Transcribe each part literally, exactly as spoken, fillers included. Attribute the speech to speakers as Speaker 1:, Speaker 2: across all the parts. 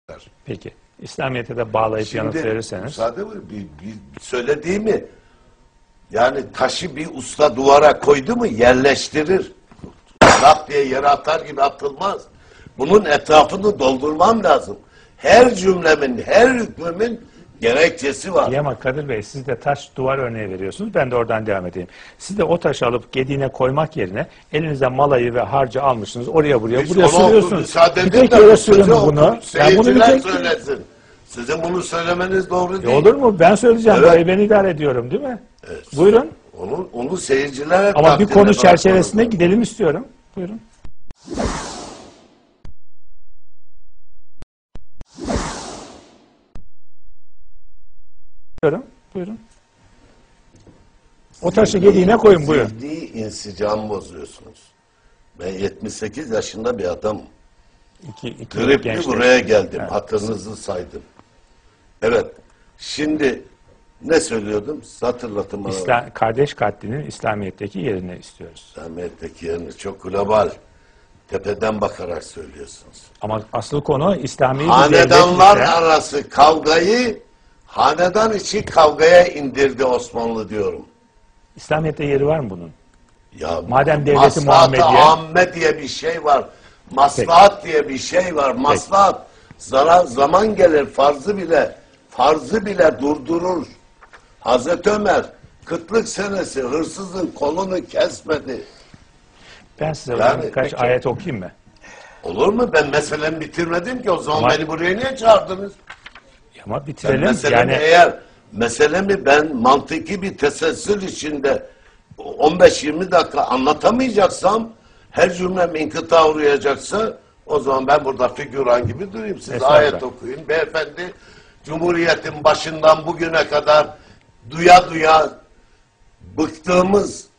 Speaker 1: Peki. İslamiyet'e de bağlayıp
Speaker 2: Şimdi,
Speaker 1: yanıt verirseniz.
Speaker 2: Müsaade mi? Bir, bir söylediğimi yani taşı bir usta duvara koydu mu yerleştirir. Lap diye yere atar gibi atılmaz. Bunun etrafını doldurmam lazım. Her cümlemin, her hükmümün gerekçesi var.
Speaker 1: İyi ama Kadir Bey, siz de taş duvar örneği veriyorsunuz. Ben de oradan devam edeyim. Siz de o taşı alıp gediğine koymak yerine elinize malayı ve harcı almışsınız. Oraya buraya
Speaker 2: Biz
Speaker 1: buraya sürüyorsunuz. Bir tek yere sürün bunu. Ben bunu bir tek...
Speaker 2: söylesin. Sizin bunu söylemeniz doğru
Speaker 1: e
Speaker 2: değil.
Speaker 1: olur mu? Ben söyleyeceğim.
Speaker 2: Evet.
Speaker 1: Burayı ben idare ediyorum değil mi?
Speaker 2: Evet.
Speaker 1: Buyurun.
Speaker 2: Onu, onu seyircilere...
Speaker 1: Ama bir konu çerçevesinde gidelim istiyorum. Buyurun. Buyurun. Buyurun. O taşı gediğine koyun, buyurun.
Speaker 2: Zihni insicam bozuyorsunuz. Ben yetmiş sekiz yaşında bir adamım.
Speaker 1: İki, iki
Speaker 2: Gripli buraya geldim.
Speaker 1: Evet.
Speaker 2: Hatırınızı saydım. Evet. Şimdi ne söylüyordum? Hatırlatın bana.
Speaker 1: İslam, kardeş katlinin İslamiyet'teki yerini istiyoruz.
Speaker 2: İslamiyet'teki yerini çok global. Tepeden bakarak söylüyorsunuz.
Speaker 1: Ama asıl konu İslami bir
Speaker 2: Hanedanlar
Speaker 1: devlet ise,
Speaker 2: arası kavgayı hanedan içi kavgaya indirdi Osmanlı diyorum.
Speaker 1: İslamiyet'te yeri var mı bunun?
Speaker 2: Ya
Speaker 1: Madem devleti
Speaker 2: maslahat-ı
Speaker 1: Muhammediye...
Speaker 2: amme diye bir şey var. Maslahat Peki. diye bir şey var. Maslahat. Zarar, zaman gelir farzı bile farzı bile durdurur. Hazreti Ömer kıtlık senesi hırsızın kolunu kesmedi.
Speaker 1: Ben size
Speaker 2: Yani,
Speaker 1: birkaç
Speaker 2: peki.
Speaker 1: ayet okuyayım mı?
Speaker 2: Olur mu? Ben meselemi bitirmedim ki. O zaman
Speaker 1: Ama,
Speaker 2: beni buraya niye çağırdınız?
Speaker 1: Ama
Speaker 2: Ben
Speaker 1: bitirelim.
Speaker 2: meselemi
Speaker 1: Yani...
Speaker 2: eğer meselemi ben mantıki bir teselsül içinde on beş yirmi dakika anlatamayacaksam, her cümlem inkıta uğrayacaksa, o zaman ben burada figüran gibi durayım. Siz ayet okuyun. Beyefendi Cumhuriyet'in başından bugüne kadar duya duya bıktığımız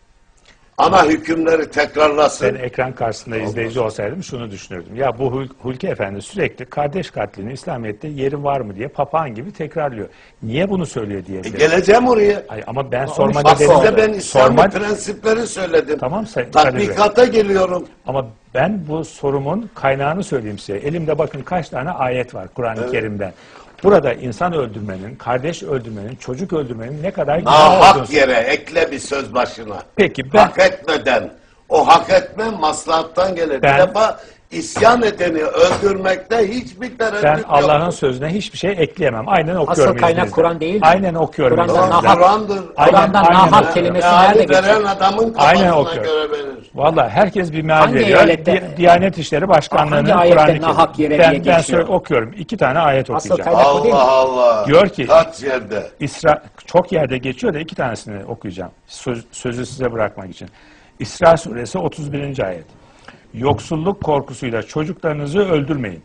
Speaker 2: ana hükümleri tekrarlasın.
Speaker 1: Ben ekran karşısında
Speaker 2: Allah.
Speaker 1: izleyici olsaydım şunu düşünürdüm. Ya bu Hul Hulki Efendi sürekli kardeş katlinin İslamiyet'te yeri var mı diye papağan gibi tekrarlıyor. Niye bunu söylüyor diye.
Speaker 2: E geleceğim oraya.
Speaker 1: Ay, ama ben sorma
Speaker 2: Bak
Speaker 1: nedenim.
Speaker 2: size ben İslami
Speaker 1: sorma...
Speaker 2: prensipleri söyledim.
Speaker 1: Tamam Sayın
Speaker 2: Tatbikata geliyorum.
Speaker 1: Ama ben bu sorumun kaynağını söyleyeyim size. Elimde bakın kaç tane ayet var Kur'an-ı evet. Kerim'den. Burada insan öldürmenin, kardeş öldürmenin, çocuk öldürmenin ne kadar günah olduğunu...
Speaker 2: Hak yere ekle bir söz başına.
Speaker 1: Peki ben...
Speaker 2: Hak etmeden, o hak etme maslahattan gelir.
Speaker 1: Ben,
Speaker 2: bir defa isyan edeni öldürmekte hiçbir tereddüt yok.
Speaker 1: Ben Allah'ın sözüne hiçbir şey ekleyemem. Aynen okuyorum.
Speaker 3: Asıl kaynak Kur'an değil mi?
Speaker 1: Aynen okuyorum.
Speaker 3: Kur'an'dan
Speaker 2: Kur'an'dır.
Speaker 3: Kur'an'dan nahak kelimesi nerede geçiyor?
Speaker 2: Veren adamın
Speaker 1: Aynen
Speaker 2: kafasına göre verir.
Speaker 1: Valla herkes bir meal
Speaker 3: Hangi
Speaker 1: veriyor.
Speaker 3: ayette-
Speaker 1: Di Diyanet İşleri Başkanlığı'nın
Speaker 3: Hangi
Speaker 1: Kur'an-ı
Speaker 3: ayette nahak
Speaker 1: Kerim.
Speaker 3: yere
Speaker 1: Ben,
Speaker 3: diye
Speaker 1: ben
Speaker 3: geçiyor?
Speaker 1: söyle- okuyorum. İki tane ayet
Speaker 3: Asıl
Speaker 1: okuyacağım.
Speaker 3: kaynak o değil mi?
Speaker 2: Allah Allah.
Speaker 1: Diyor ki-
Speaker 2: Kaç yerde?
Speaker 1: İsra çok yerde geçiyor da iki tanesini okuyacağım. Söz, sözü size bırakmak için. İsra suresi otuz birinci ayet. Yoksulluk korkusuyla çocuklarınızı öldürmeyin.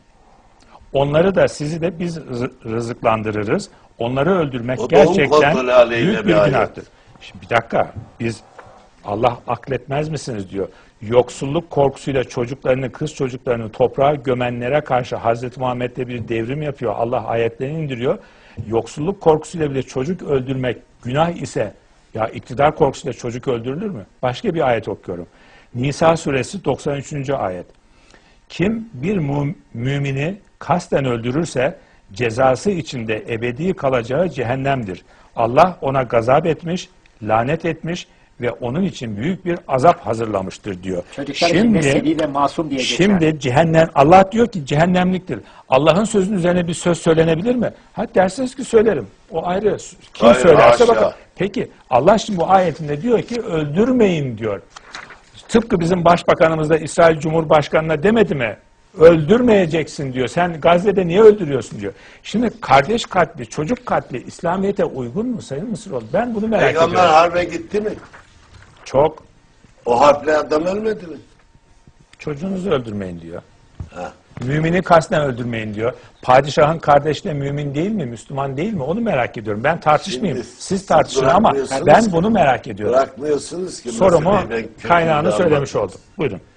Speaker 1: Onları da sizi de biz rı- rızıklandırırız. Onları öldürmek
Speaker 2: O doğum
Speaker 1: gerçekten
Speaker 2: kontrolü aleyhine
Speaker 1: büyük
Speaker 2: bir
Speaker 1: bir
Speaker 2: ayet.
Speaker 1: günahtır. Şimdi bir dakika. Biz Allah akletmez misiniz diyor. Yoksulluk korkusuyla çocuklarını, kız çocuklarını toprağa gömenlere karşı Hazreti Muhammed'de bir devrim yapıyor. Allah ayetlerini indiriyor. Yoksulluk korkusuyla bile çocuk öldürmek günah ise ya iktidar korkusuyla çocuk öldürülür mü? Başka bir ayet okuyorum. Nisa suresi doksan üçüncü ayet. Kim bir mu mümini kasten öldürürse cezası içinde ebedi kalacağı cehennemdir. Allah ona gazap etmiş, lanet etmiş ve onun için büyük bir azap hazırlamıştır diyor.
Speaker 3: Çocuklar için mesleği ve masum diye geçer.
Speaker 1: Şimdi cehennem, Allah diyor ki cehennemliktir. Allah'ın sözünün üzerine bir söz söylenebilir mi? Ha dersiniz ki söylerim. O ayrı. Kim
Speaker 2: Hayır,
Speaker 1: söylerse
Speaker 2: haşa.
Speaker 1: bakalım. Peki Allah şimdi bu ayetinde diyor ki öldürmeyin diyor. Tıpkı bizim başbakanımız da İsrail Cumhurbaşkanı'na demedi mi? Öldürmeyeceksin diyor. Sen Gazze'de niye öldürüyorsun diyor. Şimdi kardeş katli, çocuk katli İslamiyet'e uygun mu Sayın Mısıroğlu? Ben bunu merak
Speaker 2: Peygamber
Speaker 1: ediyorum.
Speaker 2: harbe gitti mi?
Speaker 1: Çok.
Speaker 2: O harple adam ölmedi mi?
Speaker 1: Çocuğunuzu öldürmeyin diyor.
Speaker 2: Ha.
Speaker 1: Mümini kasten öldürmeyin diyor. Padişahın kardeşi de mümin değil mi? Müslüman değil mi? Onu merak ediyorum. Ben tartışmayayım.
Speaker 2: Şimdi
Speaker 1: Siz tartışın ama
Speaker 2: bırakmıyorsunuz
Speaker 1: ben
Speaker 2: ki.
Speaker 1: bunu merak ediyorum.
Speaker 2: Bırakmıyorsunuz ki.
Speaker 1: Sorumu
Speaker 2: meseleyi ben kökünden
Speaker 1: kaynağını söylemiş
Speaker 2: anlatayım.
Speaker 1: oldum. Buyurun.